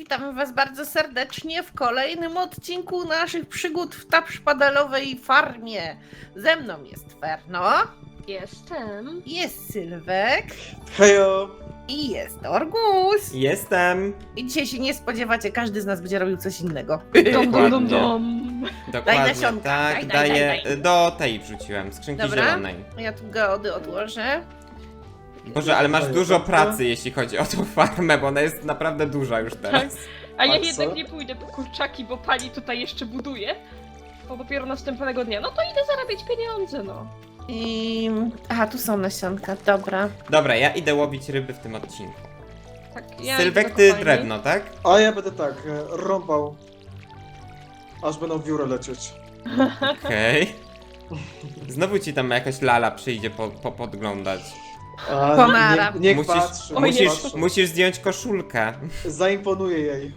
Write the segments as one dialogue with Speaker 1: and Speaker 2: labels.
Speaker 1: witamy was bardzo serdecznie w kolejnym odcinku naszych przygód w tapszpadalowej farmie. Ze mną jest Ferno,
Speaker 2: Jestem.
Speaker 1: jest Sylwek
Speaker 3: Hejo!
Speaker 1: i jest Orgus.
Speaker 4: Jestem.
Speaker 1: I dzisiaj się nie spodziewacie, każdy z nas będzie robił coś innego.
Speaker 2: Dom, dom, dom, dom.
Speaker 4: Dokładnie,
Speaker 1: nasionka.
Speaker 4: tak,
Speaker 1: Daj.
Speaker 4: daję. Do tej wrzuciłem, skrzynki
Speaker 1: Dobra.
Speaker 4: zielonej.
Speaker 1: Ja tu geody odłożę.
Speaker 4: Boże, ale masz
Speaker 3: Daję
Speaker 4: dużo
Speaker 3: tak,
Speaker 4: pracy, jeśli chodzi o tą farmę, bo ona jest naprawdę duża już teraz.
Speaker 2: A ja
Speaker 3: A co?
Speaker 2: jednak nie pójdę po kurczaki, bo pani tutaj jeszcze buduje. Bo dopiero następnego dnia. No to idę zarabiać pieniądze, no.
Speaker 1: I... Aha, tu są nasionka, dobra.
Speaker 4: Dobra, ja idę łowić ryby w tym odcinku.
Speaker 2: Tak, ja
Speaker 4: Sylwek,
Speaker 2: idę do
Speaker 4: ty
Speaker 2: kopalni.
Speaker 4: drewno, tak?
Speaker 3: A ja będę tak, rąbał. Aż będą wióry lecieć.
Speaker 4: Okej. Znowu ci tam jakaś lala przyjdzie podglądać.
Speaker 3: A,
Speaker 1: Pomara.
Speaker 3: niech patrzy,
Speaker 2: Oj,
Speaker 3: niech
Speaker 4: Musisz,
Speaker 3: patrzy.
Speaker 4: musisz zdjąć koszulkę.
Speaker 3: Zaimponuję jej.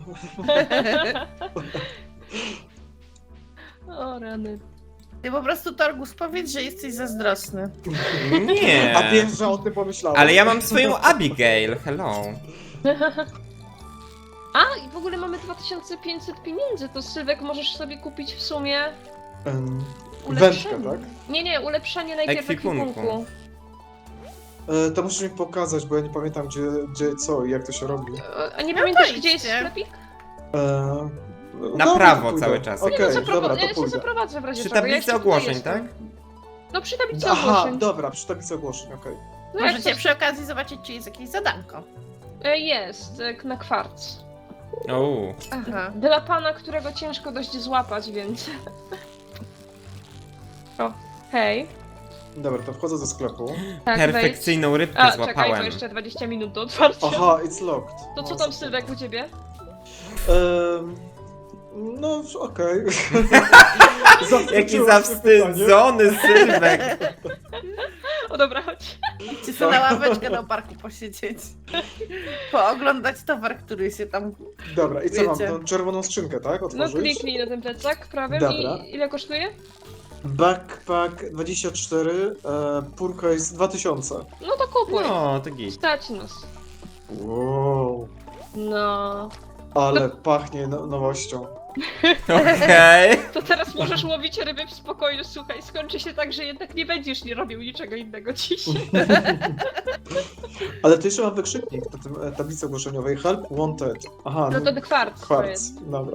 Speaker 2: O rany.
Speaker 1: Ty po prostu, Torgus, powiedz, że jesteś zazdrosny.
Speaker 4: Nie.
Speaker 3: A wiesz, że o tym pomyślałem.
Speaker 4: Ale ja mam swoją Abigail, hello.
Speaker 2: A, i w ogóle mamy 2500 pieniędzy, to Sylwek możesz sobie kupić w sumie
Speaker 3: Wędkę, tak?
Speaker 2: Nie, ulepszenie najpierw
Speaker 4: Ekwipunku.
Speaker 2: ekwipunku.
Speaker 3: To musisz mi pokazać, bo ja nie pamiętam gdzie co i jak to się robi.
Speaker 2: A nie
Speaker 1: No
Speaker 2: pamiętasz,
Speaker 1: to
Speaker 2: gdzie jest
Speaker 1: idźcie.
Speaker 2: sklepik?
Speaker 4: Na
Speaker 3: dobra,
Speaker 4: prawo
Speaker 3: to pójdę.
Speaker 4: cały czas.
Speaker 3: Okej,
Speaker 2: Nie, no,
Speaker 3: dobra,
Speaker 2: ja
Speaker 3: to
Speaker 2: cię
Speaker 3: pójdę.
Speaker 2: zaprowadzę w razie
Speaker 4: Przy
Speaker 2: czego. Ja
Speaker 4: tablicy
Speaker 2: jeszcze tutaj
Speaker 4: ogłoszeń,
Speaker 2: jestem.
Speaker 4: tak?
Speaker 2: No przy tablicy
Speaker 3: Aha,
Speaker 2: ogłoszeń.
Speaker 3: dobra, przy tablicy ogłoszeń, okej.
Speaker 2: No jak
Speaker 1: Możecie
Speaker 2: to-
Speaker 1: przy okazji zobaczyć, czy jest jakieś zadanko.
Speaker 2: Jest, na kwarc.
Speaker 4: Uuu.
Speaker 1: Aha.
Speaker 2: Dla pana, którego ciężko dość złapać, więc... O, hej.
Speaker 3: Dobra, to wchodzę do sklepu.
Speaker 2: Tak,
Speaker 4: Perfekcyjną rybkę
Speaker 2: wejdź. A, czekaj, to
Speaker 4: złapałem.
Speaker 2: jeszcze 20 minut do otwarcia.
Speaker 3: Aha, it's locked.
Speaker 2: To co
Speaker 3: No,
Speaker 2: tam,
Speaker 3: super.
Speaker 2: Sylwek, u ciebie?
Speaker 3: No, okej.
Speaker 4: Jaki
Speaker 3: Zaskoczyłaś mnie pytanie.
Speaker 4: zawstydzony Sylwek.
Speaker 2: O dobra, chodź.
Speaker 1: Idźcie sobie na ławeczkę na parku posiedzieć. Pooglądać towar, który się tam...
Speaker 3: Dobra, i co mam?
Speaker 1: Wiecie.
Speaker 3: Tą czerwoną skrzynkę, tak?
Speaker 2: No
Speaker 3: Otworzyć?
Speaker 2: kliknij na ten plecak prawym
Speaker 3: Dobra.
Speaker 2: i ile kosztuje?
Speaker 3: Backpack 24, purka jest 2000.
Speaker 2: No to kupuj.
Speaker 4: No, to git.
Speaker 2: Stać nas.
Speaker 3: Wow,
Speaker 2: No.
Speaker 3: ale pachnie nowością.
Speaker 4: Okej.
Speaker 2: To teraz możesz łowić ryby w spokoju, słuchaj, skończy się tak, że jednak nie będziesz nie robił niczego innego dziś.
Speaker 3: Ale tu jeszcze mam wykrzyknik na tym tablicy ogłoszeniowej. Help wanted. Aha,
Speaker 2: No to kwarc to
Speaker 3: kwarc.
Speaker 2: jest.
Speaker 3: Dobra.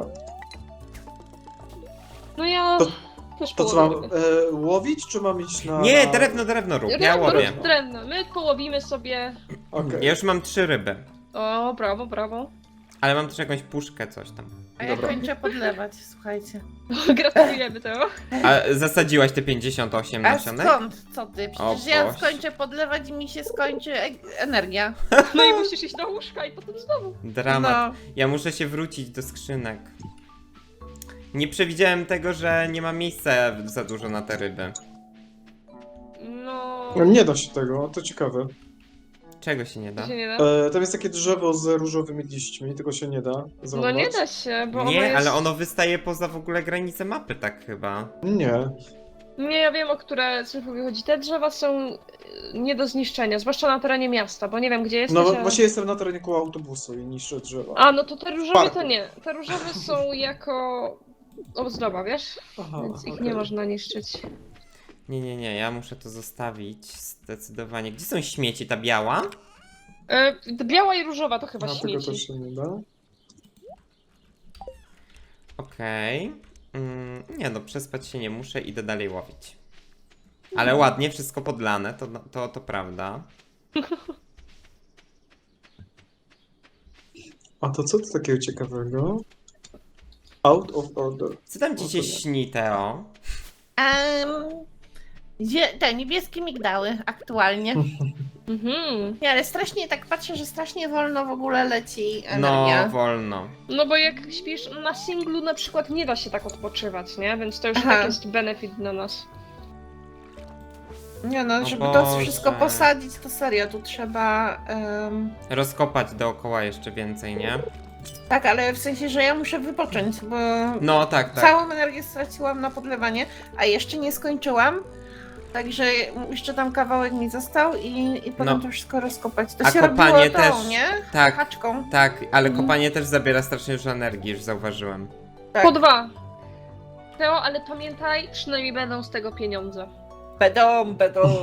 Speaker 2: No ja
Speaker 3: To-
Speaker 2: też
Speaker 3: To co
Speaker 2: połowię
Speaker 3: mam,
Speaker 2: ryby.
Speaker 3: łowić, czy mam iść na...
Speaker 4: Nie,
Speaker 3: na...
Speaker 4: drewno rób, ja
Speaker 2: Drewno,
Speaker 4: łowię.
Speaker 2: rób drewno. My połowimy sobie...
Speaker 3: Okej.
Speaker 4: Ja już mam 3 ryby.
Speaker 2: O, brawo.
Speaker 4: Ale mam też jakąś puszkę, coś tam.
Speaker 1: A ja
Speaker 3: Dobra.
Speaker 1: kończę podlewać, słuchajcie.
Speaker 2: Gratulujemy tego.
Speaker 4: A zasadziłaś te 58
Speaker 1: A
Speaker 4: nasionek?
Speaker 1: skąd? Co ty?
Speaker 4: O
Speaker 1: Przecież ja
Speaker 4: Boże.
Speaker 1: skończę podlewać i mi się skończy energia.
Speaker 2: No i musisz iść do łóżka i potem znowu.
Speaker 4: Dramat.
Speaker 1: No.
Speaker 4: Ja muszę się wrócić do skrzynek. Nie przewidziałem tego, że nie ma miejsca za dużo na te ryby.
Speaker 2: No...
Speaker 3: No, nie da się tego, to ciekawe.
Speaker 4: Czego się nie da?
Speaker 2: To się nie da?
Speaker 3: Tam jest takie drzewo z różowymi liśćmi, tego się nie da
Speaker 2: No
Speaker 3: zrąbać.
Speaker 2: nie da się, bo ono
Speaker 4: Nie,
Speaker 2: jest...
Speaker 4: ale ono wystaje poza w ogóle granicę mapy, tak chyba.
Speaker 3: Nie.
Speaker 2: Nie, ja wiem, o które Sylwkowi chodzi. Te drzewa są nie do zniszczenia, zwłaszcza na terenie miasta, bo nie wiem, gdzie jesteś,
Speaker 3: No
Speaker 2: ale...
Speaker 3: właśnie jestem na terenie koło autobusu i niszczę drzewa.
Speaker 2: A, no to te różowe
Speaker 3: Parku.
Speaker 2: to nie. Te różowe są jako ozdoba, wiesz?
Speaker 3: Aha,
Speaker 2: Więc ich
Speaker 3: okej.
Speaker 2: nie można niszczyć.
Speaker 4: Nie, ja muszę to zostawić zdecydowanie. Gdzie są śmieci? Ta biała?
Speaker 2: Biała i różowa to chyba
Speaker 3: A tego
Speaker 2: śmieci.
Speaker 3: też się nie da.
Speaker 4: Okej. Nie no, przespać się nie muszę, idę dalej łowić. Ale ładnie, wszystko podlane, to prawda.
Speaker 3: A to co to takiego ciekawego? Out of order.
Speaker 4: Co tam ci się
Speaker 3: Okej.
Speaker 4: śni, Teo?
Speaker 1: Te niebieskie migdały aktualnie.
Speaker 2: Mhm.
Speaker 1: Nie, ale strasznie tak patrzę, że strasznie wolno w ogóle leci
Speaker 4: No,
Speaker 1: energia.
Speaker 4: wolno.
Speaker 2: No bo jak śpisz na singlu na przykład nie da się tak odpoczywać, nie? Więc to już
Speaker 1: Aha.
Speaker 2: tak jest benefit dla nas.
Speaker 1: Nie no,
Speaker 4: O
Speaker 1: żeby to
Speaker 4: Boże.
Speaker 1: wszystko posadzić, to serio, tu trzeba...
Speaker 4: Rozkopać dookoła jeszcze więcej, nie?
Speaker 1: tak, ale w sensie, że ja muszę wypocząć, bo
Speaker 4: No, tak.
Speaker 1: całą energię straciłam na podlewanie, a jeszcze nie skończyłam Także jeszcze tam kawałek mi został i potem
Speaker 4: No.
Speaker 1: to wszystko rozkopać. To
Speaker 4: A
Speaker 1: się
Speaker 4: kopanie
Speaker 1: robiło tą,
Speaker 4: też.
Speaker 1: nie?
Speaker 4: Tak,
Speaker 1: Haczką.
Speaker 4: tak, ale kopanie też zabiera strasznie dużo energii, już zauważyłem.
Speaker 1: Tak.
Speaker 2: Po 2. Teo, ale pamiętaj, przynajmniej będą z tego pieniądze.
Speaker 1: Bedom.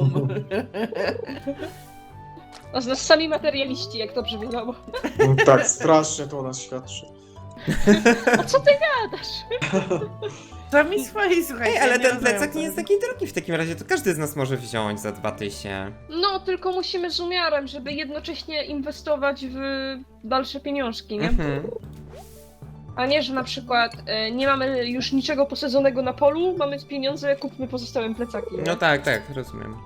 Speaker 2: A z nas sami materialiści, jak dobrze wiadomo.
Speaker 3: Tak, strasznie to o nas świadczy.
Speaker 2: A co ty gadasz?
Speaker 1: To mi swoi, słuchajcie.
Speaker 4: Ej, ale
Speaker 1: ja
Speaker 4: ten
Speaker 1: rozumiem,
Speaker 4: plecak
Speaker 1: co
Speaker 4: nie jest
Speaker 1: robi.
Speaker 4: taki drogi w takim razie, to każdy z nas może wziąć za 2000.
Speaker 2: No, tylko musimy z umiarem, żeby jednocześnie inwestować w dalsze pieniążki, nie?
Speaker 4: Mhm.
Speaker 2: A nie, że na przykład nie mamy już niczego posadzonego na polu, mamy pieniądze, kupmy pozostałe plecaki. Nie?
Speaker 4: No tak, tak, rozumiem.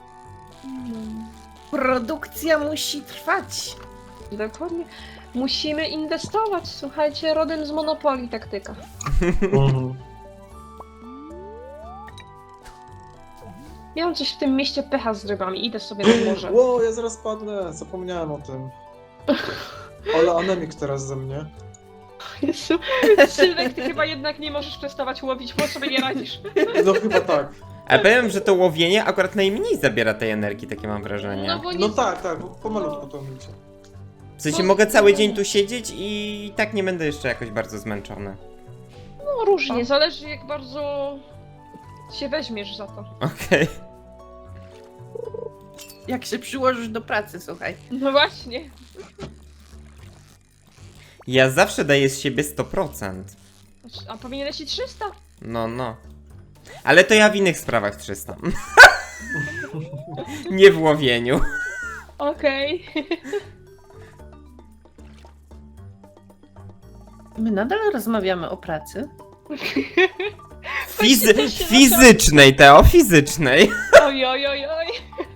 Speaker 1: Produkcja musi trwać.
Speaker 2: Dokładnie. Musimy inwestować, słuchajcie, rodem z Monopolii taktyka.
Speaker 3: Mhm.
Speaker 2: Miałam coś w tym mieście pecha z rybami, idę sobie na morze.
Speaker 3: Ło, ja zaraz padnę, zapomniałem o tym. Ale anemik teraz ze mnie.
Speaker 2: Jezu, Sylwek, ty chyba jednak nie możesz przestawać łowić, bo sobie nie radzisz.
Speaker 3: No chyba tak.
Speaker 4: Ale powiem, że to łowienie akurat najmniej zabiera tej energii, takie mam wrażenie.
Speaker 2: No bo nie...
Speaker 3: No tak, bo pomalutku to idzie.
Speaker 4: W sensie mogę cały dzień tu siedzieć i tak nie będę jeszcze jakoś bardzo zmęczony.
Speaker 2: No różnie, zależy jak bardzo się weźmiesz za to.
Speaker 4: Okej.
Speaker 1: Jak się przyłożysz do pracy, słuchaj.
Speaker 2: No właśnie.
Speaker 4: Ja zawsze daję z siebie 100%.
Speaker 2: A powinieneś i 300?
Speaker 4: No. Ale to ja w innych sprawach 300. Nie w łowieniu.
Speaker 2: Okej.
Speaker 1: My nadal rozmawiamy o pracy.
Speaker 4: Fizycznej, Teo, fizycznej.
Speaker 2: Oj, oj, oj, oj.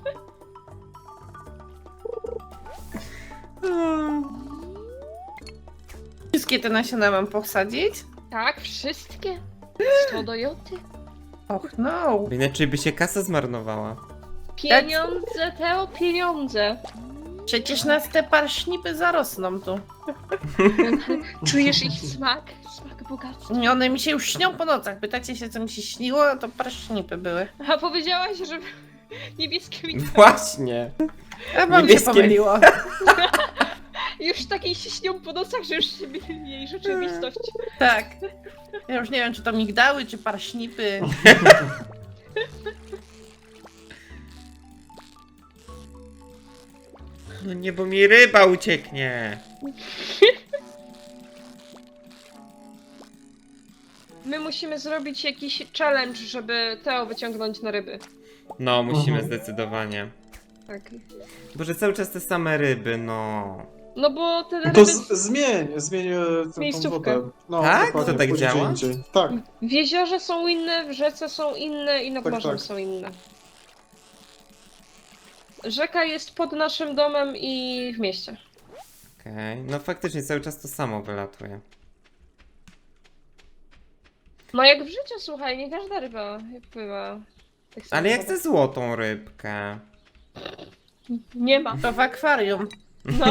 Speaker 1: Wszystkie te nasiona mam posadzić?
Speaker 2: Tak, wszystkie? 100 do joty.
Speaker 1: Och no.
Speaker 4: Inaczej by się kasa zmarnowała.
Speaker 2: Pieniądze, Teo, pieniądze.
Speaker 1: Przecież nas te parśnipy zarosną tu.
Speaker 2: Czujesz ich smak? Smak bogactwa.
Speaker 1: I one mi się już śnią po nocach. Pytacie się, co mi się śniło? To parśnipy były.
Speaker 2: A powiedziałaś, że niebieskie mi
Speaker 4: Właśnie.
Speaker 1: A wam
Speaker 4: Niebieskie-
Speaker 1: się pomyliło.
Speaker 2: już takiej się śnią po nocach, że już się myli jej rzeczywistość.
Speaker 1: Tak. Ja już nie wiem, czy to migdały, czy parśnipy.
Speaker 4: No nie, bo mi ryba ucieknie.
Speaker 2: My musimy zrobić jakiś challenge, żeby Teo wyciągnąć na ryby.
Speaker 4: No, musimy
Speaker 3: Mhm.
Speaker 4: zdecydowanie.
Speaker 2: Tak.
Speaker 4: Boże, cały czas te same ryby, no.
Speaker 2: No bo te ryby...
Speaker 3: To zmień tą
Speaker 2: Miejscówkę.
Speaker 3: wodę. No,
Speaker 4: Tak?
Speaker 3: dokładnie,
Speaker 4: To tak
Speaker 3: pójdź
Speaker 4: działa?
Speaker 3: gdzie indziej. Tak.
Speaker 2: W jeziorze są inne, w rzece są inne i nad
Speaker 3: Tak,
Speaker 2: morzem
Speaker 3: tak.
Speaker 2: są inne. Rzeka jest pod naszym domem i w mieście.
Speaker 4: Okej, no faktycznie cały czas to samo wylatuje.
Speaker 2: No jak w życiu, słuchaj, nie każda ryba pływa. Tak samo
Speaker 4: Ale jak
Speaker 2: wodą.
Speaker 4: chcę złotą rybkę?
Speaker 2: Nie ma.
Speaker 1: To w akwarium.
Speaker 2: No.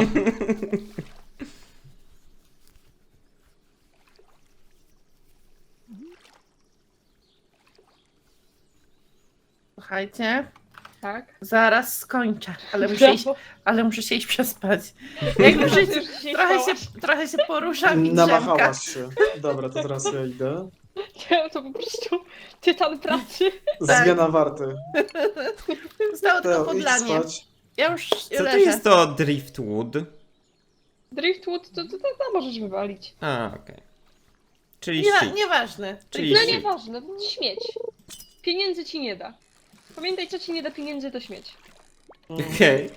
Speaker 1: Słuchajcie,
Speaker 2: Tak.
Speaker 1: zaraz skończę,
Speaker 2: Brawo.
Speaker 1: ale muszę się iść przespać. Jak w życiu,
Speaker 2: Już dzisiaj spałaś.
Speaker 1: trochę się poruszam i drzemka.
Speaker 3: Namachałaś się. Dobra, to teraz ja idę.
Speaker 2: To po prostu tytan pracy.
Speaker 1: Tak.
Speaker 3: Zmiana warty.
Speaker 1: Zostało tylko
Speaker 3: Teo, idź
Speaker 1: podlanie.
Speaker 3: spać.
Speaker 1: Ja już
Speaker 4: Co to
Speaker 1: leżę.
Speaker 4: jest to driftwood?
Speaker 2: Driftwood to możesz wywalić.
Speaker 4: A, okej. Czyli
Speaker 1: Nie,
Speaker 4: shit.
Speaker 1: nieważne.
Speaker 4: Czyli
Speaker 2: No
Speaker 4: shit.
Speaker 2: nieważne, śmieć. Pieniędzy ci nie da. Pamiętaj, co ci nie da pieniędzy, to śmieć.
Speaker 4: Okej.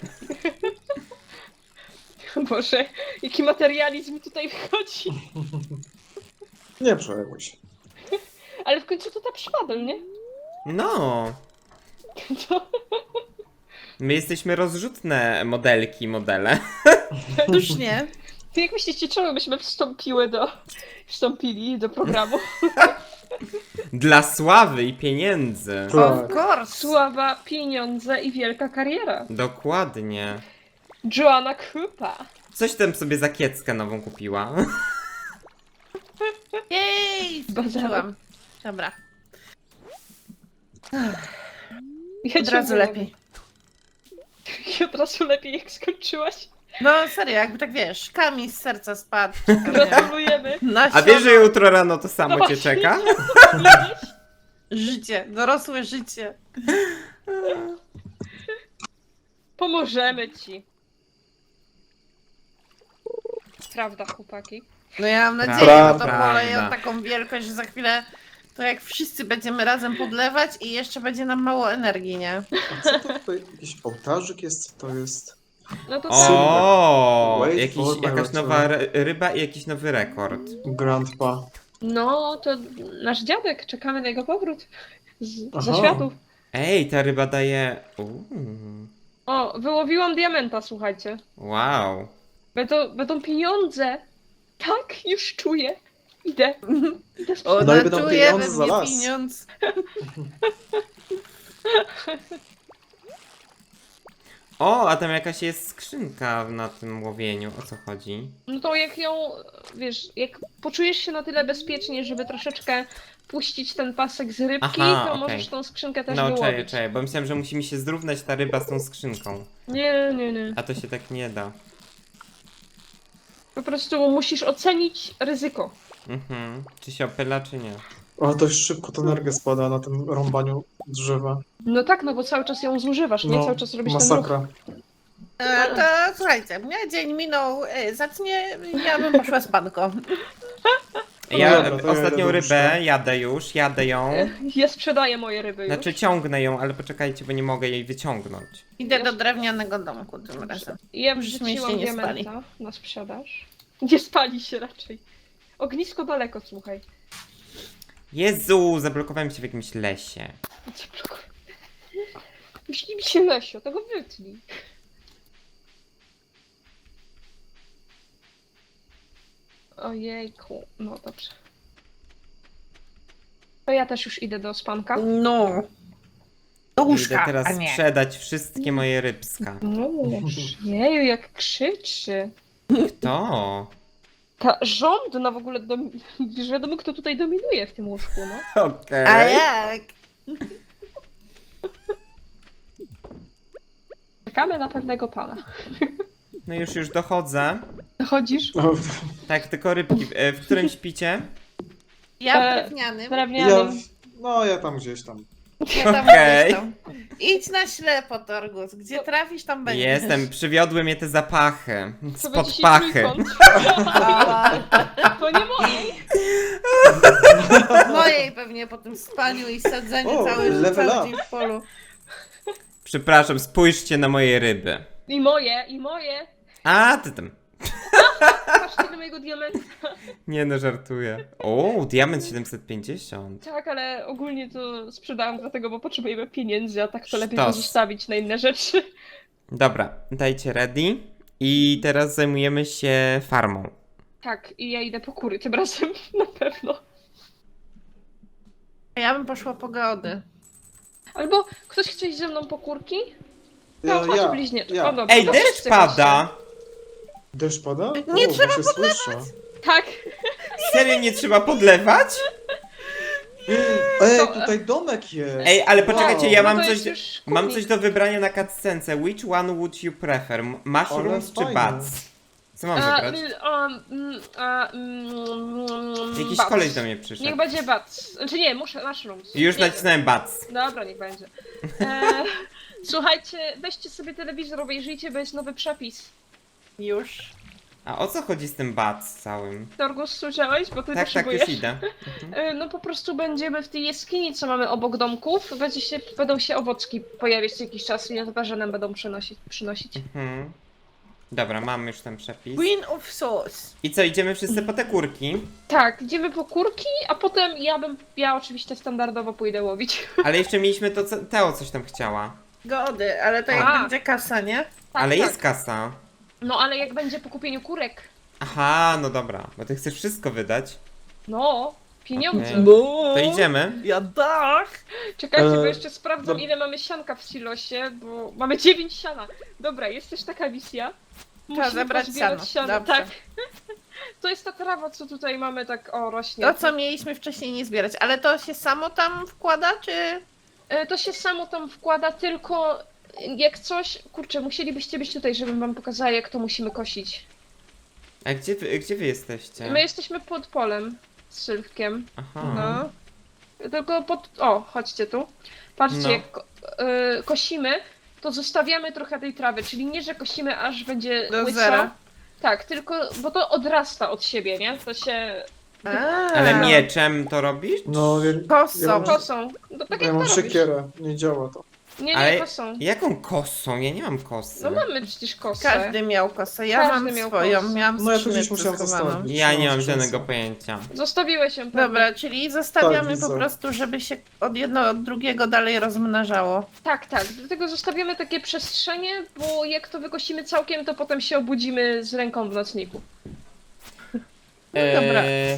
Speaker 2: Boże, jaki materializm tutaj wchodzi.
Speaker 3: Nie przejmuj się.
Speaker 2: Ale w końcu to ta przypadek, nie?
Speaker 4: No.
Speaker 2: To...
Speaker 4: My jesteśmy rozrzutne modelki, modele.
Speaker 1: Już nie.
Speaker 2: Ty jak myślicie, czemu byśmy wstąpili do programu?
Speaker 4: Dla sławy i pieniędzy.
Speaker 1: Of course.
Speaker 2: Sława, pieniądze i wielka kariera.
Speaker 4: Dokładnie.
Speaker 2: Joanna Krupa.
Speaker 4: Coś tam sobie za kieckę nową kupiła.
Speaker 1: Jej, skończyłam. Dobra.
Speaker 2: Ja
Speaker 1: Od
Speaker 2: cię
Speaker 1: razu
Speaker 2: umówię.
Speaker 1: lepiej.
Speaker 2: I od razu lepiej, jak skończyłaś.
Speaker 1: No serio, jakby tak wiesz, kamień z serca spadł. czy tam, nie?
Speaker 2: Gratulujemy.
Speaker 1: Na
Speaker 4: A wiesz, że
Speaker 1: siono.
Speaker 4: jutro rano to samo
Speaker 2: No
Speaker 4: cię
Speaker 2: właśnie.
Speaker 4: czeka?
Speaker 1: Życie, dorosłe życie.
Speaker 2: Pomożemy ci. Prawda, chłopaki?
Speaker 1: No ja mam nadzieję,
Speaker 3: Prawda.
Speaker 1: że to poleje
Speaker 4: Prawda.
Speaker 1: taką wielkość, że za chwilę to jak wszyscy będziemy razem podlewać i jeszcze będzie nam mało energii, nie?
Speaker 3: A co to tutaj? Jakiś ołtarzyk jest? Co to jest?
Speaker 2: No to
Speaker 4: O,
Speaker 3: Wait
Speaker 4: jakiś,
Speaker 3: for my
Speaker 4: jakaś
Speaker 3: return.
Speaker 4: nowa ryba i jakiś nowy rekord.
Speaker 3: Grandpa.
Speaker 2: No, to nasz dziadek, czekamy na jego powrót. Za
Speaker 3: Aha.
Speaker 2: światów.
Speaker 4: Ej, ta ryba daje...
Speaker 2: O, wyłowiłam diamenta, słuchajcie.
Speaker 4: Wow.
Speaker 2: Będą pieniądze. Tak, już czuję. Idę. Idę
Speaker 1: O,
Speaker 2: sprzedać.
Speaker 3: No i będą
Speaker 1: natuje
Speaker 3: pieniądze
Speaker 1: we
Speaker 3: za
Speaker 1: mnie
Speaker 3: las.
Speaker 1: pieniądz.
Speaker 4: O, a tam jakaś jest skrzynka na tym łowieniu. O co chodzi?
Speaker 2: No to jak ją, wiesz, jak poczujesz się na tyle bezpiecznie, żeby troszeczkę puścić ten pasek z rybki,
Speaker 4: Aha,
Speaker 2: to
Speaker 4: okej.
Speaker 2: możesz tą skrzynkę też
Speaker 4: No,
Speaker 2: wyłowić.
Speaker 4: cześć, bo myślałem, że musi mi się zrównać ta ryba z tą skrzynką.
Speaker 2: Nie, nie, nie.
Speaker 4: A to się tak nie da.
Speaker 2: Po prostu musisz ocenić ryzyko.
Speaker 4: Czy się opyla, czy nie?
Speaker 3: O, dość szybko to energia spada na tym rąbaniu drzewa.
Speaker 2: No tak, no bo cały czas ją zużywasz, nie?
Speaker 3: No,
Speaker 2: Cały czas robisz ten ruch.
Speaker 3: masakra.
Speaker 1: To słuchajcie, mnie dzień minął, zacznie, ja bym poszła z panką.
Speaker 4: Ja
Speaker 3: dobra, to ja
Speaker 4: ostatnią
Speaker 3: jadę do
Speaker 4: rybę
Speaker 3: łóżka.
Speaker 4: jadę ją.
Speaker 2: Ja sprzedaję moje ryby już.
Speaker 4: Znaczy ciągnę ją, ale poczekajcie, bo nie mogę jej wyciągnąć.
Speaker 1: Idę do drewnianego domku tym razem.
Speaker 2: Ja
Speaker 1: Żeśmy
Speaker 2: wrzuciłam
Speaker 1: się nie
Speaker 2: diamenta na sprzedaż. Nie spali się raczej. Ognisko daleko, słuchaj.
Speaker 4: Jezu, zablokowałem się w jakimś lesie.
Speaker 2: Cię blokuję. Myśli mi się Lesio, tego wytnij. Ojejku, no dobrze. To ja też już idę do spanka.
Speaker 1: No. Do
Speaker 4: Idę
Speaker 1: łóżka,
Speaker 4: teraz
Speaker 1: a nie.
Speaker 4: sprzedać wszystkie moje rybska.
Speaker 2: No, jeju, jak krzyczy.
Speaker 4: Kto?
Speaker 2: Ta rządna w ogóle, już wiadomo kto tutaj dominuje w tym łóżku, no.
Speaker 4: Okej.
Speaker 1: A jak?
Speaker 2: Czekamy na pewnego pana.
Speaker 4: No już dochodzę.
Speaker 2: Chodzisz?
Speaker 3: O,
Speaker 4: Tak, tylko rybki. W którym śpicie?
Speaker 1: Ja drewnianym.
Speaker 2: Drewnianym.
Speaker 3: ja tam gdzieś tam.
Speaker 1: Ja tam
Speaker 4: Okej.
Speaker 1: gdzieś tam. Idź na ślepo, Torgus. Gdzie trafisz, tam będziesz.
Speaker 4: Jestem, przywiodły mnie te zapachy.
Speaker 2: To
Speaker 4: Spod
Speaker 2: będzie się
Speaker 4: pachy.
Speaker 2: trójkąt.
Speaker 1: A,
Speaker 2: To nie mojej.
Speaker 1: mojej pewnie po tym spaniu i sadzeniu
Speaker 3: O,
Speaker 1: cały
Speaker 3: level up.
Speaker 1: dzień w polu.
Speaker 4: Przepraszam, spójrzcie na moje ryby.
Speaker 2: I moje, i moje.
Speaker 4: A, ty tam.
Speaker 2: Patrzcie na mojego diamenta.
Speaker 4: Nie no, żartuję. O, diament 750.
Speaker 2: Tak, ale ogólnie to sprzedałam dlatego, bo potrzebujemy pieniędzy, a tak to lepiej
Speaker 4: Sztos.
Speaker 2: pozostawić na inne rzeczy.
Speaker 4: Dobra, dajcie ready. I teraz zajmujemy się farmą.
Speaker 2: Tak, i ja idę po kury tym razem, na pewno.
Speaker 1: Ja bym poszła po gody.
Speaker 2: Albo ktoś chce iść ze mną po kurki? No, chodź bliźnieczko.
Speaker 3: ja.
Speaker 2: O, dobra,
Speaker 4: Ej,
Speaker 2: to
Speaker 4: deszcz
Speaker 2: wszyscy
Speaker 4: pada!
Speaker 3: Deszcz pada?
Speaker 1: Nie
Speaker 3: O,
Speaker 1: trzeba
Speaker 3: się słyszę.
Speaker 2: chodźcie. Tak,
Speaker 4: Serio nie trzeba podlewać?
Speaker 3: Ej,
Speaker 2: To-
Speaker 3: tutaj domek jest.
Speaker 4: Ej, ale poczekajcie, ja
Speaker 2: no
Speaker 4: mam
Speaker 2: to
Speaker 4: coś,
Speaker 2: jest już
Speaker 4: mam
Speaker 2: kurnik.
Speaker 4: coś do wybrania na cutscence. Which one would you prefer? Mushrooms
Speaker 3: Ale
Speaker 4: czy
Speaker 3: fajnie.
Speaker 4: bats? Co mam wybrać? Jakiś
Speaker 2: bats.
Speaker 4: koleś do mnie
Speaker 2: Niech
Speaker 4: przyszedł.
Speaker 2: będzie bats. Znaczy nie, muszę mushrooms.
Speaker 4: Już
Speaker 2: Nie,
Speaker 4: nacisnąłem bats.
Speaker 2: Dobra, niech będzie. Słuchajcie, weźcie sobie telewizor, obejrzyjcie, bo jest nowy przepis.
Speaker 1: Już.
Speaker 4: A o co chodzi z tym bats całym?
Speaker 2: Torgus, słyszałeś? Bo ty
Speaker 4: Tak,
Speaker 2: potrzebujesz.
Speaker 4: już idę.
Speaker 2: No po prostu będziemy w tej jaskini, co mamy obok domków. Będą się owocki pojawiać co jakiś czas i nietoperze nam będą przynosić.
Speaker 4: Mhm. Dobra, mam już ten przepis.
Speaker 1: Queen of Sauce.
Speaker 4: I co, idziemy wszyscy po te kurki?
Speaker 2: Tak, idziemy po kurki, a potem ja oczywiście standardowo pójdę łowić.
Speaker 4: Ale jeszcze mieliśmy to, co Teo coś tam chciała.
Speaker 1: Gody, ale to jak
Speaker 2: A.
Speaker 1: będzie kasa, nie?
Speaker 2: Tak,
Speaker 4: Ale
Speaker 2: tak.
Speaker 4: jest kasa.
Speaker 2: No ale jak będzie po kupieniu kurek?
Speaker 4: Aha, no dobra, bo ty chcesz wszystko wydać.
Speaker 2: No, pieniądze.
Speaker 4: Okej.
Speaker 1: No.
Speaker 4: To idziemy.
Speaker 1: Ja tak.
Speaker 2: Czekajcie, bo
Speaker 3: E,
Speaker 2: jeszcze sprawdzam, ile mamy sianka w silosie, bo mamy 9 siana. Dobra, jest też taka misja. Musimy
Speaker 1: zebrać
Speaker 2: pozbierać
Speaker 1: siano. Dobrze.
Speaker 2: Tak. To jest ta trawa, co tutaj mamy, tak rośnie.
Speaker 1: To, co mieliśmy wcześniej nie zbierać. Ale to się samo tam wkłada, czy...
Speaker 2: To się samo tam wkłada, tylko jak coś, kurczę, musielibyście być tutaj, żebym wam pokazała, jak to musimy kosić.
Speaker 4: A gdzie wy jesteście?
Speaker 2: My jesteśmy pod polem z Sylwkiem.
Speaker 4: Aha.
Speaker 2: No. Tylko o, chodźcie tu. Patrzcie,
Speaker 4: No.
Speaker 2: jak kosimy, to zostawiamy trochę tej trawy, czyli nie, że kosimy aż będzie
Speaker 1: Do
Speaker 2: łyso.
Speaker 1: zera.
Speaker 2: Tak, tylko, bo to odrasta od siebie, nie? To się
Speaker 4: Ale mieczem to robisz?
Speaker 3: No,
Speaker 1: Kosą.
Speaker 2: kosą. No tak
Speaker 3: ja
Speaker 2: jak
Speaker 3: mam
Speaker 2: to robisz.
Speaker 3: siekierę, nie działa to.
Speaker 2: Nie,
Speaker 4: Ale-
Speaker 2: kosą.
Speaker 4: Jaką kosą? Ja nie mam kosy.
Speaker 2: No mamy przecież kosę.
Speaker 1: Każdy miał kosę. Ja
Speaker 2: Każdy
Speaker 1: mam
Speaker 2: miał
Speaker 1: swoją.
Speaker 2: kosę.
Speaker 1: Miałam
Speaker 3: No ja tu gdzieś
Speaker 1: skrzyneczkę
Speaker 3: musiałam
Speaker 1: schowaną.
Speaker 3: zostawić.
Speaker 4: Ja nie mam
Speaker 3: No,
Speaker 4: żadnego
Speaker 3: skrzynce.
Speaker 4: pojęcia.
Speaker 2: Zostawiłeś ją. pewnie.
Speaker 1: Dobra, czyli zostawiamy
Speaker 3: Tak,
Speaker 1: po
Speaker 3: widzę.
Speaker 1: prostu, żeby się od jednego od drugiego dalej rozmnażało.
Speaker 2: Tak, tak. Dlatego zostawiamy takie przestrzenie, bo jak to wykosimy całkiem, to potem się obudzimy z ręką w nocniku.
Speaker 1: dobra.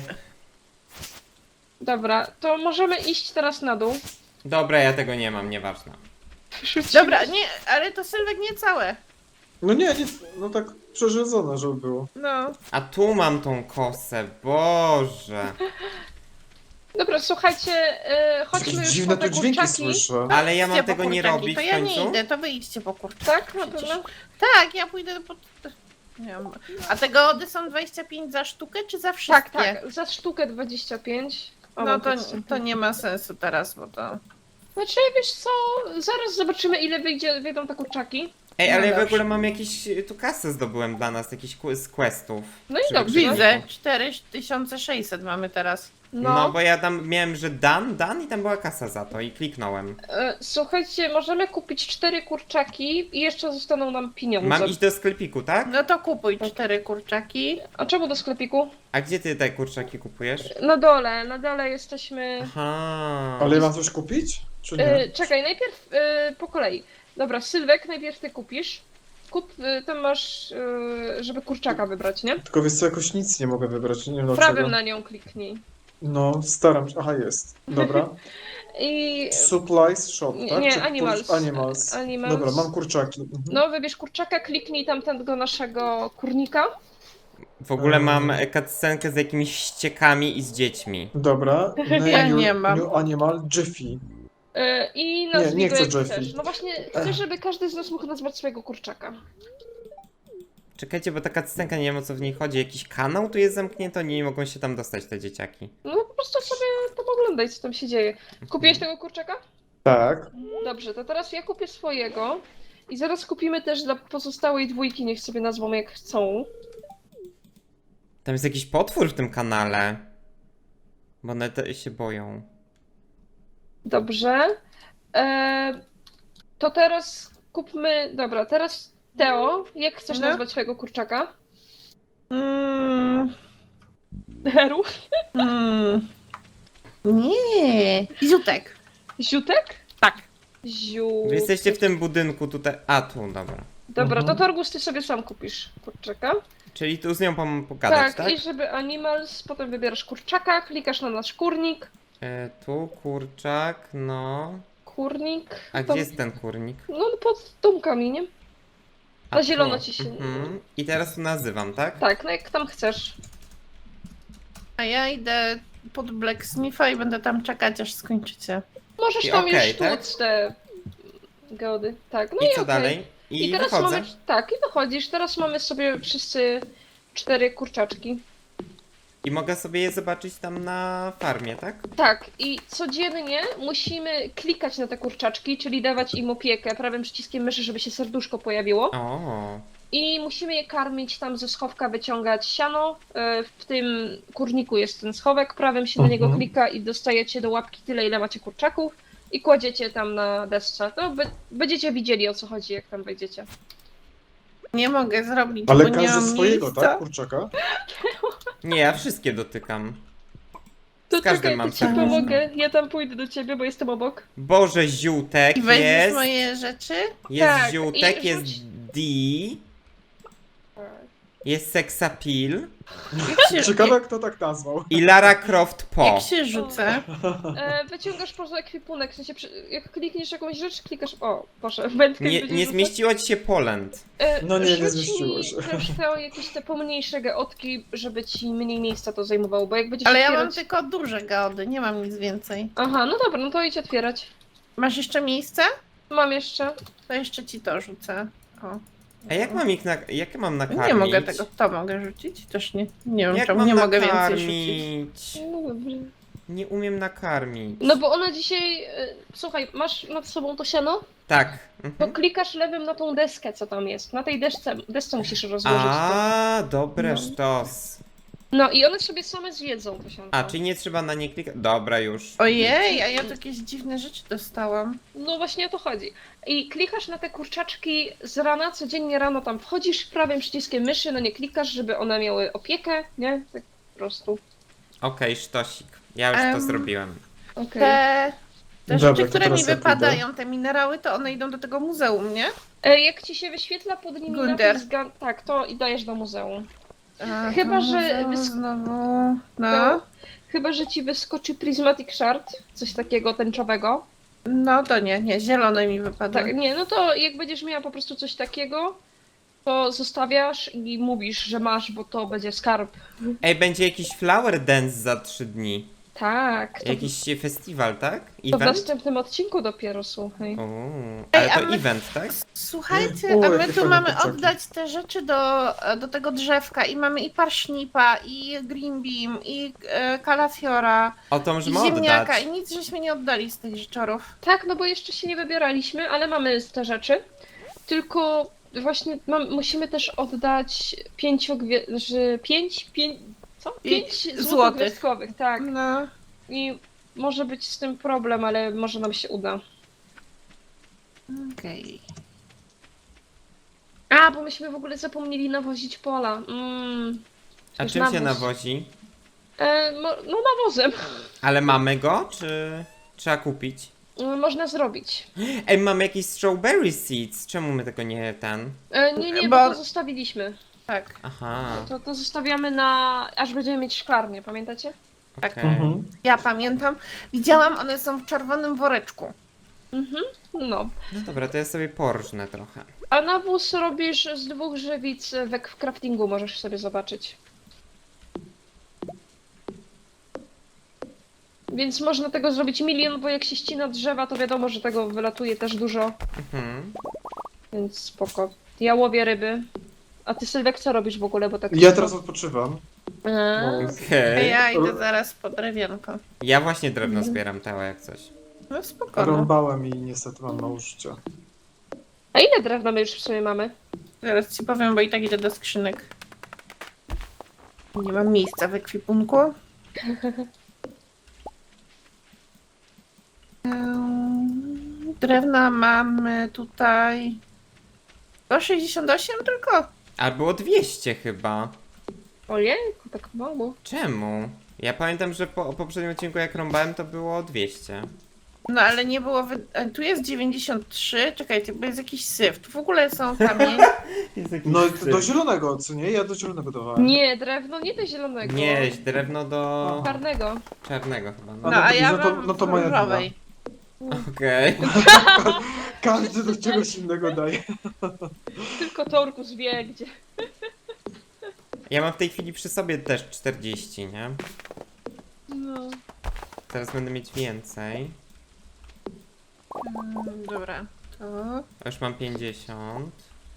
Speaker 2: Dobra, to możemy iść teraz na dół.
Speaker 4: Dobra, ja tego nie mam, nieważne.
Speaker 1: Dobra, nie, ale to Sylwek nie całe.
Speaker 3: No nie, no tak przerzedzone, żeby było.
Speaker 1: No.
Speaker 4: A tu mam tą kosę, Boże.
Speaker 2: Dobra, słuchajcie, chodźmy
Speaker 3: Jakieś
Speaker 2: już
Speaker 3: dziwne
Speaker 2: po
Speaker 3: tu
Speaker 2: te
Speaker 3: dźwięki
Speaker 2: kurczaki.
Speaker 3: słyszę.
Speaker 4: Ale ja mam
Speaker 1: Idźcie po
Speaker 4: tego nie
Speaker 1: kurczaki.
Speaker 4: robić
Speaker 1: To
Speaker 4: w
Speaker 1: ja nie
Speaker 4: końcu?
Speaker 1: idę, to wy idźcie po kurczaki.
Speaker 2: Tak, na
Speaker 1: Przecież.
Speaker 2: pewno.
Speaker 1: Tak, ja pójdę po... Nie wiem. A te gołody są 25 za sztukę, czy za wszystkie?
Speaker 2: Tak, tak, za sztukę 25. O,
Speaker 1: No
Speaker 2: mam
Speaker 1: to,
Speaker 2: podstęp.
Speaker 1: to nie ma sensu teraz, bo to...
Speaker 2: Znaczy, wiesz co, zaraz zobaczymy, ile wyjdą te kurczaki.
Speaker 4: Ej,
Speaker 1: No
Speaker 4: ale ja w
Speaker 1: dobrze.
Speaker 4: ogóle mam jakieś tu kasę zdobyłem dla nas, jakiś z questów.
Speaker 2: No i
Speaker 4: Żeby
Speaker 2: dobrze.
Speaker 4: przyjść.
Speaker 1: Widzę, 4600 mamy teraz.
Speaker 4: No, bo ja tam miałem, że Dan i tam była kasa za to i kliknąłem.
Speaker 2: Słuchajcie, możemy kupić 4 kurczaki i jeszcze zostaną nam pieniądze.
Speaker 4: Mam iść do sklepiku, tak?
Speaker 1: No to kupuj 4 kurczaki.
Speaker 2: A czemu do sklepiku?
Speaker 4: A gdzie ty te kurczaki kupujesz?
Speaker 2: Na dole jesteśmy...
Speaker 4: Aha.
Speaker 3: Ale ja mam coś kupić? Czy nie?
Speaker 2: Czekaj, najpierw po kolei. Dobra, Sylwek, najpierw ty kupisz. Kup, tam masz, żeby kurczaka wybrać, nie?
Speaker 3: Tylko wiesz co, jakoś nic nie mogę wybrać, nie wiem
Speaker 2: Prawym
Speaker 3: dlaczego.
Speaker 2: na nią kliknij.
Speaker 3: No, staram się. Aha, jest. Dobra.
Speaker 2: I...
Speaker 3: Supplies shop,
Speaker 2: Nie,
Speaker 3: tak?
Speaker 2: nie,
Speaker 3: Czy
Speaker 2: Animals.
Speaker 3: Animals.
Speaker 2: Animals.
Speaker 3: Dobra, mam kurczaki. Mhm.
Speaker 2: No, wybierz kurczaka, kliknij tam tego naszego kurnika.
Speaker 4: W ogóle mam cutscenkę z jakimiś ściekami i z dziećmi.
Speaker 3: Dobra.
Speaker 1: Ja nie mam.
Speaker 3: New Animal Jiffy.
Speaker 2: I nazwij
Speaker 3: nie
Speaker 2: go
Speaker 3: chcę
Speaker 2: jak
Speaker 3: Jeffy.
Speaker 2: chcesz. No właśnie, chcę, żeby każdy z nas mógł nazwać swojego kurczaka.
Speaker 4: Czekajcie, bo ta cutscenka, nie wiem o co w niej chodzi. Jakiś kanał tu jest zamknięty, oni nie mogą się tam dostać, te dzieciaki.
Speaker 2: No po prostu sobie tam oglądaj, co tam się dzieje. Kupiłeś tego kurczaka?
Speaker 3: Tak.
Speaker 2: Dobrze, to teraz ja kupię swojego. I zaraz kupimy też dla pozostałej dwójki, niech sobie nazwą jak chcą.
Speaker 4: Tam jest jakiś potwór w tym kanale. Bo one się boją.
Speaker 2: Dobrze. To teraz kupmy. Dobra, teraz Teo, jak chcesz
Speaker 1: No.
Speaker 2: nazwać swojego kurczaka?
Speaker 1: Mm,
Speaker 2: Heru?
Speaker 1: nie. Ziutek.
Speaker 2: Ziutek?
Speaker 1: Tak.
Speaker 2: Ziu.
Speaker 4: Wy jesteście w tym budynku tutaj. A, tu, dobra.
Speaker 2: Dobra,
Speaker 3: Mhm.
Speaker 2: to Torgus, ty sobie sam kupisz kurczaka.
Speaker 4: Czyli tu z nią pogadać, tak?
Speaker 2: I żeby animals, potem wybierasz kurczaka, klikasz na nasz kurnik.
Speaker 4: Tu kurczak, no.
Speaker 2: Kurnik.
Speaker 4: A
Speaker 2: to-
Speaker 4: gdzie jest ten kurnik?
Speaker 2: No pod domkami, nie?
Speaker 4: A
Speaker 2: Na
Speaker 4: tu.
Speaker 2: zielono ci się-
Speaker 4: Mhm. I teraz tu nazywam, tak?
Speaker 2: Tak, no jak tam chcesz.
Speaker 1: A ja idę pod Blacksmitha i będę tam czekać, aż skończycie.
Speaker 2: Możesz
Speaker 4: I
Speaker 2: tam
Speaker 4: okej,
Speaker 2: już
Speaker 4: tak?
Speaker 2: tłuc te geody. Tak, no
Speaker 4: I
Speaker 2: i
Speaker 4: co
Speaker 2: okej.
Speaker 4: dalej? I
Speaker 2: teraz
Speaker 4: wychodzę.
Speaker 2: mamy. Tak, i wychodzisz. Teraz mamy sobie wszyscy 4 kurczaczki.
Speaker 4: I mogę sobie je zobaczyć tam na farmie, tak?
Speaker 2: Tak, i codziennie musimy klikać na te kurczaczki, czyli dawać im opiekę prawym przyciskiem myszy, żeby się serduszko pojawiło.
Speaker 4: O.
Speaker 2: I musimy je karmić tam ze schowka, wyciągać siano. W tym kurniku jest ten schowek, prawym się na niego
Speaker 3: Mhm.
Speaker 2: klika i dostajecie do łapki tyle, ile macie kurczaków. I kładziecie tam na desce. To będziecie widzieli, o co chodzi, jak tam wejdziecie.
Speaker 1: Nie mogę zrobić,
Speaker 3: Ale
Speaker 1: bo nie
Speaker 3: każdy
Speaker 1: mam
Speaker 3: swojego,
Speaker 1: miejsca.
Speaker 3: tak? Kurczaka?
Speaker 4: Nie, ja wszystkie dotykam.
Speaker 2: To
Speaker 4: Z każdym
Speaker 2: czekaj,
Speaker 4: mam
Speaker 2: to ci
Speaker 4: serduszko.
Speaker 2: pomogę. Ja tam pójdę do ciebie, bo jestem obok.
Speaker 4: Boże, ziółtek
Speaker 1: I weźmiesz
Speaker 4: jest.
Speaker 1: moje rzeczy?
Speaker 4: Jest
Speaker 2: Tak,
Speaker 4: ziółtek,
Speaker 2: i
Speaker 4: jest
Speaker 2: rzuć-
Speaker 4: D. Jest seksapil.
Speaker 3: Ciekawe, kto tak nazwał.
Speaker 4: I Lara Croft po.
Speaker 1: Jak się rzucę?
Speaker 2: Wyciągasz po prostu ekwipunek, w sensie jak klikniesz jakąś rzecz, klikasz. O, proszę, wędkę
Speaker 4: Nie,
Speaker 2: będziesz
Speaker 4: nie
Speaker 2: rzucać.
Speaker 4: zmieściło ci się Poland.
Speaker 3: No nie, nie
Speaker 2: Rzuć
Speaker 3: zmieściło
Speaker 2: mi
Speaker 3: się.
Speaker 2: też te jakieś te pomniejsze geotki, żeby ci mniej miejsca to zajmowało, bo jak będziesz
Speaker 1: Ale ja mam
Speaker 2: otwierać...
Speaker 1: tylko duże gody, nie mam nic więcej.
Speaker 2: Aha, no dobra, no to idź otwierać.
Speaker 1: Masz jeszcze miejsce?
Speaker 2: Mam jeszcze.
Speaker 1: To jeszcze ci to rzucę. O.
Speaker 4: A jak mam ich jak mam nakarmić?
Speaker 1: Nie mogę tego, to mogę rzucić? Też nie. Nie wiem,
Speaker 4: Jak
Speaker 1: czemu
Speaker 4: mam
Speaker 1: nie mogę więcej
Speaker 4: nakarmić?
Speaker 1: rzucić.
Speaker 2: No dobrze.
Speaker 4: Nie umiem nakarmić.
Speaker 2: No bo ona dzisiaj... Słuchaj, masz nad sobą to siano?
Speaker 4: Tak.
Speaker 2: To
Speaker 4: Mhm.
Speaker 2: klikasz lewym na tą deskę, co tam jest. Na tej desce musisz rozłożyć to.
Speaker 4: A, dobre
Speaker 2: No.
Speaker 4: sztos.
Speaker 2: No i one sobie same zjedzą to sianko.
Speaker 4: A, czyli nie trzeba na nie klikać? Dobra, już.
Speaker 1: Ojej, a ja tu jakieś dziwne rzeczy dostałam.
Speaker 2: No właśnie o to chodzi. I klikasz na te kurczaczki z rana, codziennie rano tam wchodzisz prawym przyciskiem myszy, no nie klikasz, żeby one miały opiekę, nie? Tak po prostu.
Speaker 4: Okej, sztosik. Ja już to
Speaker 1: Em,
Speaker 4: zrobiłem.
Speaker 2: Okej.
Speaker 1: Te
Speaker 3: Dobra,
Speaker 1: rzeczy,
Speaker 3: to
Speaker 1: które
Speaker 3: teraz
Speaker 1: mi
Speaker 3: ja
Speaker 1: wypadają, te minerały, to one idą do tego muzeum, nie?
Speaker 2: Jak ci się wyświetla pod nimi
Speaker 1: Gunder.
Speaker 2: napis, tak, to i dajesz do muzeum.
Speaker 1: A,
Speaker 2: Chyba,
Speaker 1: to
Speaker 2: że
Speaker 1: muzeum
Speaker 2: wys-
Speaker 1: znowu... No,
Speaker 2: To, chyba, że ci wyskoczy Prismatic Shard, coś takiego tęczowego.
Speaker 1: no to nie, zielone mi wypadło.
Speaker 2: Tak, nie, no to jak będziesz miała po prostu coś takiego, to zostawiasz i mówisz, że masz, bo to będzie skarb.
Speaker 4: Ej, będzie jakiś flower dance za 3 dni.
Speaker 2: Tak, to,
Speaker 4: Jakiś festiwal, tak?
Speaker 2: to w
Speaker 4: Event?
Speaker 2: następnym odcinku dopiero, słuchaj.
Speaker 4: O,
Speaker 1: Ej,
Speaker 4: ale
Speaker 1: a
Speaker 4: to
Speaker 1: my-
Speaker 4: event, tak?
Speaker 1: Słuchajcie,
Speaker 3: O,
Speaker 1: a
Speaker 3: jakie
Speaker 1: my tu
Speaker 3: fajne
Speaker 1: mamy
Speaker 3: kurczaki.
Speaker 1: oddać te rzeczy do tego drzewka i mamy i parsznipa, i green bean, i kalafiora,
Speaker 4: O, to
Speaker 1: i
Speaker 4: możemy
Speaker 1: ziemniaka
Speaker 4: oddać.
Speaker 1: i nic żeśmy nie oddali z tych rzeczorów.
Speaker 2: Tak, no bo jeszcze się nie wybieraliśmy, ale mamy te rzeczy. Tylko właśnie musimy też oddać 5
Speaker 1: złotych.
Speaker 2: złotogwiazdkowych, tak.
Speaker 1: No,
Speaker 2: I może być z tym problem, ale może nam się uda.
Speaker 1: okej.
Speaker 2: A, bo myśmy w ogóle zapomnieli nawozić pola.
Speaker 4: A
Speaker 2: Przecież
Speaker 4: czym się
Speaker 2: nawóz.
Speaker 4: nawozi?
Speaker 2: No nawozem.
Speaker 4: Ale mamy go, czy trzeba kupić?
Speaker 2: Można zrobić.
Speaker 4: Ej, mamy jakieś strawberry seeds. Czemu my tego nie ten?
Speaker 2: Nie,
Speaker 1: Bo-
Speaker 2: bo to zostawiliśmy.
Speaker 1: Tak,
Speaker 4: Aha,
Speaker 2: To zostawiamy na... aż będziemy mieć szklarnię, pamiętacie?
Speaker 4: okej.
Speaker 3: Mhm.
Speaker 1: ja pamiętam. Widziałam, one są w czerwonym woreczku.
Speaker 2: Mhm. No.
Speaker 4: No dobra, to ja sobie porżnę trochę.
Speaker 2: A nawóz robisz z 2 żywic w craftingu, możesz sobie zobaczyć. Więc można tego zrobić milion, bo jak się ścina drzewa, to wiadomo, że tego wylatuje też dużo,
Speaker 4: Mhm.
Speaker 2: więc spoko. Ja łowię ryby. A ty, Sylwek, co robisz w ogóle, bo tak...
Speaker 3: Ja teraz odpoczywam.
Speaker 2: Eee,
Speaker 4: Okej.
Speaker 1: Ja idę zaraz po drewienko.
Speaker 4: Ja właśnie drewno zbieram, Teo, jak coś.
Speaker 1: No spokojnie.
Speaker 3: Rąbałem i niestety mam mało życia.
Speaker 2: A ile drewna my już w sumie mamy?
Speaker 1: Zaraz ci powiem, bo i tak idę do skrzynek. Nie mam miejsca w ekwipunku. Drewna mamy tutaj 168 tylko.
Speaker 4: A było 200 chyba.
Speaker 2: Ojejku, tak mało.
Speaker 4: Czemu? Ja pamiętam, że po poprzednim odcinku jak rąbałem to było 200.
Speaker 1: No ale nie było. Tu jest 93. Czekajcie, bo jest jakiś syf. Tu w ogóle są kamienie.
Speaker 3: No do zielonego, co nie? Ja do zielonego dawałem.
Speaker 2: Nie, drewno nie do zielonego.
Speaker 4: Nie, drewno do
Speaker 2: Czarnego.
Speaker 4: czarnego chyba.
Speaker 1: No
Speaker 4: No.
Speaker 1: a ja
Speaker 3: no to-
Speaker 1: mam
Speaker 3: no to moja
Speaker 1: różowej.
Speaker 4: Okej.
Speaker 3: Każdy do czegoś innego daje.
Speaker 2: Tylko Torkus wie gdzie.
Speaker 4: Ja mam w tej chwili przy sobie też 40, nie?
Speaker 2: No.
Speaker 4: Teraz będę mieć więcej.
Speaker 1: Dobra, to.
Speaker 4: Już mam 50.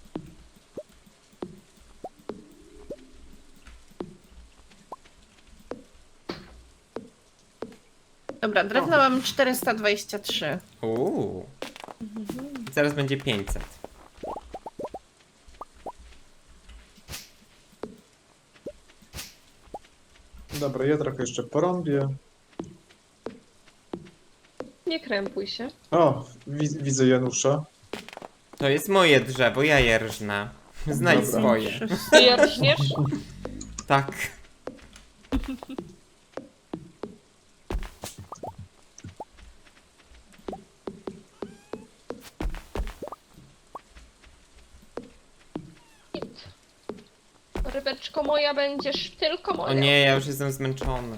Speaker 1: Dobra, drewno mamy 423.
Speaker 4: Zaraz będzie 500.
Speaker 3: Dobra, ja trochę jeszcze porąbię.
Speaker 2: Nie krępuj się.
Speaker 3: O, widzę Janusza.
Speaker 4: To jest moje drzewo, ja je rżnę. Znajdź
Speaker 3: Dobra.
Speaker 4: swoje.
Speaker 2: Ty ja rżniesz?
Speaker 4: Tak.
Speaker 2: Rybeczko moja, będziesz tylko moja.
Speaker 4: O nie, ja już jestem zmęczony.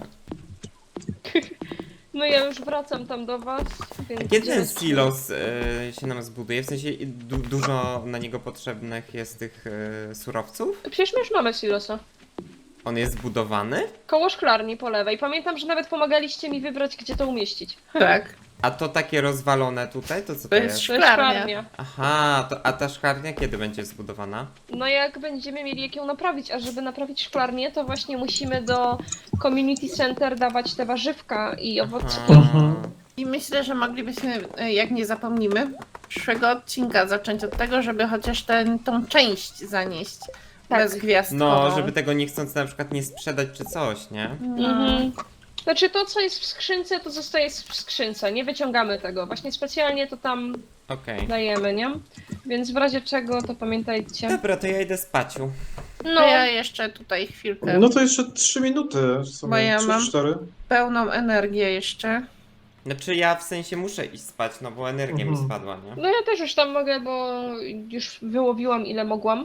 Speaker 2: No ja już wracam tam do was. Więc
Speaker 4: Kiedy ten
Speaker 2: idziemy-
Speaker 4: silos się nam zbuduje? W sensie dużo na niego potrzebnych jest tych surowców?
Speaker 2: Przecież my już mamy silosa.
Speaker 4: On jest zbudowany?
Speaker 2: Koło szklarni po lewej. Pamiętam, że nawet pomagaliście mi wybrać, gdzie to umieścić.
Speaker 1: Tak.
Speaker 4: A to takie rozwalone tutaj, to co to
Speaker 1: To jest
Speaker 4: jest?
Speaker 2: To jest
Speaker 1: Szklarnia.
Speaker 2: szklarnia.
Speaker 4: Aha, a ta szklarnia kiedy będzie zbudowana?
Speaker 2: No jak będziemy mieli jak ją naprawić, a żeby naprawić szklarnię, to właśnie musimy do community center dawać te warzywka i owocki.
Speaker 3: Mhm.
Speaker 1: I myślę, że moglibyśmy, jak nie zapomnimy, przyszłego odcinka zacząć od tego, żeby chociaż tą część zanieść
Speaker 2: Tak.
Speaker 1: bezgwiazdkową.
Speaker 4: No, żeby tego nie chcąc na przykład nie sprzedać czy coś, nie?
Speaker 1: No.
Speaker 2: Mhm. Znaczy to, co jest w skrzynce, to zostaje w skrzynce, nie wyciągamy tego. Właśnie specjalnie to tam
Speaker 4: Okej.
Speaker 2: dajemy, nie? Więc w razie czego, to pamiętajcie.
Speaker 4: Dobra, to ja idę spaciu.
Speaker 1: To
Speaker 2: No,
Speaker 1: ja jeszcze tutaj chwilkę,
Speaker 3: No to jeszcze 3 minuty, w
Speaker 1: Bo
Speaker 3: sumie
Speaker 1: ja
Speaker 3: 3,
Speaker 1: mam-
Speaker 3: 4.
Speaker 1: pełną energię jeszcze.
Speaker 4: Znaczy ja w sensie muszę iść spać, no bo energia mi
Speaker 3: Mhm.
Speaker 4: spadła, nie?
Speaker 2: no ja też już tam mogę, bo już wyłowiłam ile mogłam.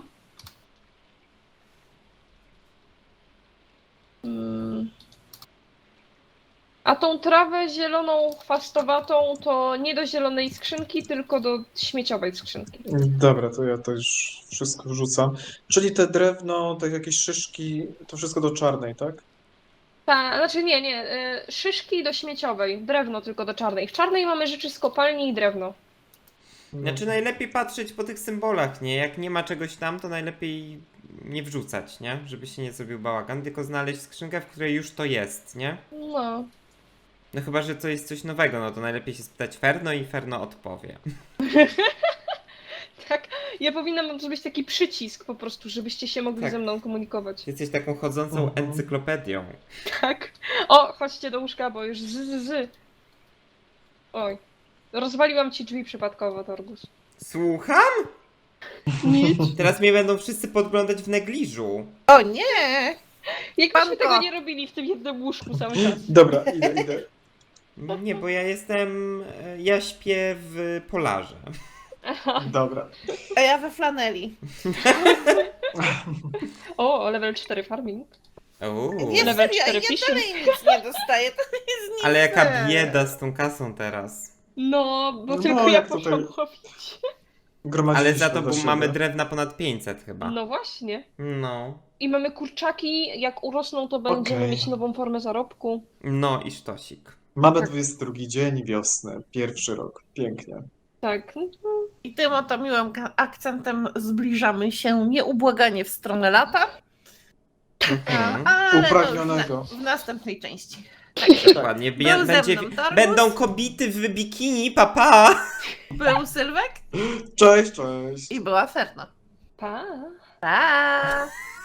Speaker 2: A tą trawę zieloną, chwastowatą, to nie do zielonej skrzynki, tylko do śmieciowej skrzynki.
Speaker 3: Dobra, to ja to już wszystko wrzucam. Czyli te drewno, te jakieś szyszki, to wszystko do czarnej, tak?
Speaker 2: Ta, znaczy nie, szyszki do śmieciowej, drewno tylko do czarnej. W czarnej mamy rzeczy z kopalni i drewno.
Speaker 4: Znaczy najlepiej patrzeć po tych symbolach, nie? Jak nie ma czegoś tam, to najlepiej nie wrzucać, nie? Żeby się nie zrobił bałagan, tylko znaleźć skrzynkę, w której już to jest, nie?
Speaker 2: No.
Speaker 4: No chyba, że to jest coś nowego, no to najlepiej się spytać Ferno i Ferno odpowie.
Speaker 2: Tak, ja powinnam zrobić taki przycisk po prostu, żebyście się mogli
Speaker 4: Tak.
Speaker 2: ze mną komunikować.
Speaker 4: Jesteś taką chodzącą
Speaker 3: Mhm.
Speaker 4: encyklopedią.
Speaker 2: Tak. O, chodźcie do łóżka, bo już z. Oj. Rozwaliłam ci drzwi przypadkowo, Torgus.
Speaker 4: Słucham?
Speaker 2: Nic.
Speaker 4: Teraz mnie będą wszyscy podglądać w negliżu.
Speaker 1: O nie!
Speaker 2: Jakbyśmy
Speaker 1: Panko.
Speaker 2: tego nie robili w tym jednym łóżku cały czas.
Speaker 3: Dobra, idę.
Speaker 4: Nie, bo ja jestem... Ja śpię w polarze.
Speaker 3: Dobra.
Speaker 1: A ja we flaneli.
Speaker 2: O, level 4 farming.
Speaker 4: Uuu.
Speaker 1: Nie,
Speaker 2: Level
Speaker 1: serio,
Speaker 2: 4
Speaker 1: ja
Speaker 2: fishing.
Speaker 1: dalej nic nie dostaję, to jest nic.
Speaker 4: Ale jaka bieda z tą kasą teraz.
Speaker 2: No, bo
Speaker 3: No,
Speaker 2: tylko ja
Speaker 3: jak
Speaker 2: poszłam
Speaker 3: tutaj-
Speaker 2: łowić.
Speaker 3: Gromadziliśmy
Speaker 4: Ale za to
Speaker 3: dla
Speaker 4: bo
Speaker 3: siebie.
Speaker 4: mamy drewna ponad 500 chyba.
Speaker 2: No właśnie.
Speaker 4: No.
Speaker 2: I mamy kurczaki, jak urosną, to będziemy
Speaker 3: Okej.
Speaker 2: mieć nową formę zarobku.
Speaker 4: No i sztosik.
Speaker 3: Mamy 22 dzień wiosny, pierwszy rok. Pięknie.
Speaker 2: Tak.
Speaker 1: I tym oto miłym akcentem zbliżamy się nieubłaganie w stronę lata,
Speaker 4: Mhm.
Speaker 1: ale to już
Speaker 3: Upragnionego.
Speaker 1: w następnej części.
Speaker 4: Dokładnie.
Speaker 1: Był ze
Speaker 4: Będzie,
Speaker 1: mną Torgus.
Speaker 4: będą kobity w bikini, papa!
Speaker 1: Był Sylwek
Speaker 3: Cześć, cześć.
Speaker 1: i była Ferno.
Speaker 2: Pa.
Speaker 1: Pa!